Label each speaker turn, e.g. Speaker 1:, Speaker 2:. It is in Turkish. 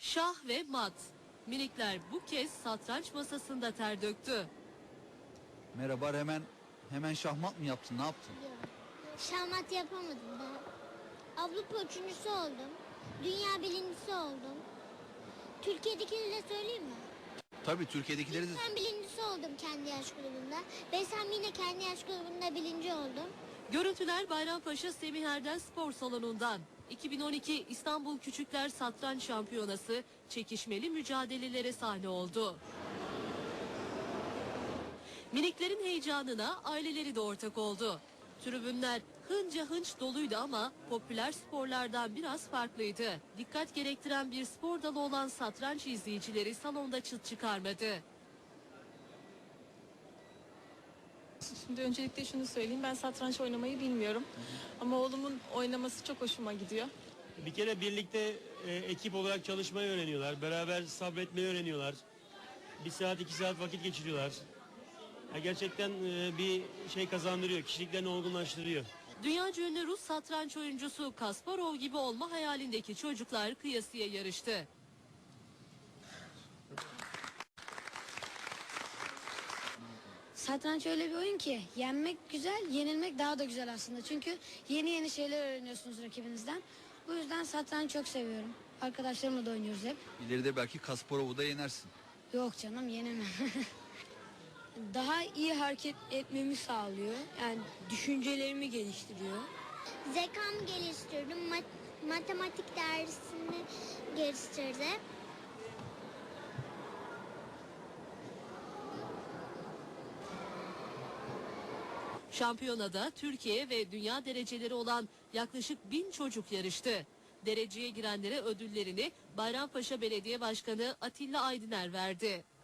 Speaker 1: Şah ve mat. Minikler bu kez satranç masasında ter döktü.
Speaker 2: Merhaba, hemen şahmat mı yaptın, ne yaptın?
Speaker 3: Yok. Şahmat yapamadım daha. Avrupa üçüncüsü oldum. Dünya birincisi oldum. Türkiye'dekileri de söyleyeyim mi?
Speaker 2: Tabii Türkiye'dekileri de...
Speaker 3: Ben birincisi oldum kendi yaş grubunda. Besem yine kendi yaş grubunda birinci oldum.
Speaker 1: Görüntüler Bayrampaşa Semih Erdem Spor Salonu'ndan. 2012 İstanbul Küçükler Satranç Şampiyonası çekişmeli mücadelelere sahne oldu. Miniklerin heyecanına aileleri de ortak oldu. Tribünler hınca hınç doluydu ama popüler sporlardan biraz farklıydı. Dikkat gerektiren bir spor dalı olan satranç izleyicileri salonda çıt çıkarmadı.
Speaker 4: Şimdi öncelikle şunu söyleyeyim, ben satranç oynamayı bilmiyorum. Ama oğlumun oynaması çok hoşuma gidiyor.
Speaker 5: Bir kere birlikte ekip olarak çalışmayı öğreniyorlar. Beraber sabretmeyi öğreniyorlar. 1 saat 2 saat vakit geçiriyorlar. Gerçekten bir şey kazandırıyor. Kişiliklerini olgunlaştırıyor.
Speaker 1: Dünyaca ünlü Rus satranç oyuncusu Kasparov gibi olma hayalindeki çocuklar kıyasıya yarıştı.
Speaker 6: Satranç öyle bir oyun ki yenmek güzel, yenilmek daha da güzel aslında. Çünkü yeni şeyler öğreniyorsunuz rakibinizden. Bu yüzden satranç çok seviyorum. Arkadaşlarımla da oynuyoruz hep.
Speaker 2: İleride belki Kasparov'u da yenersin.
Speaker 6: Yok canım, yenemem. Daha iyi hareket etmemi sağlıyor. Yani düşüncelerimi geliştiriyor.
Speaker 3: Zekamı geliştirdim. Matematik dersini geliştirdim.
Speaker 1: Şampiyonada Türkiye ve dünya dereceleri olan yaklaşık 1000 çocuk yarıştı. Dereceye girenlere ödüllerini Bayrampaşa Belediye Başkanı Atilla Aydıner verdi.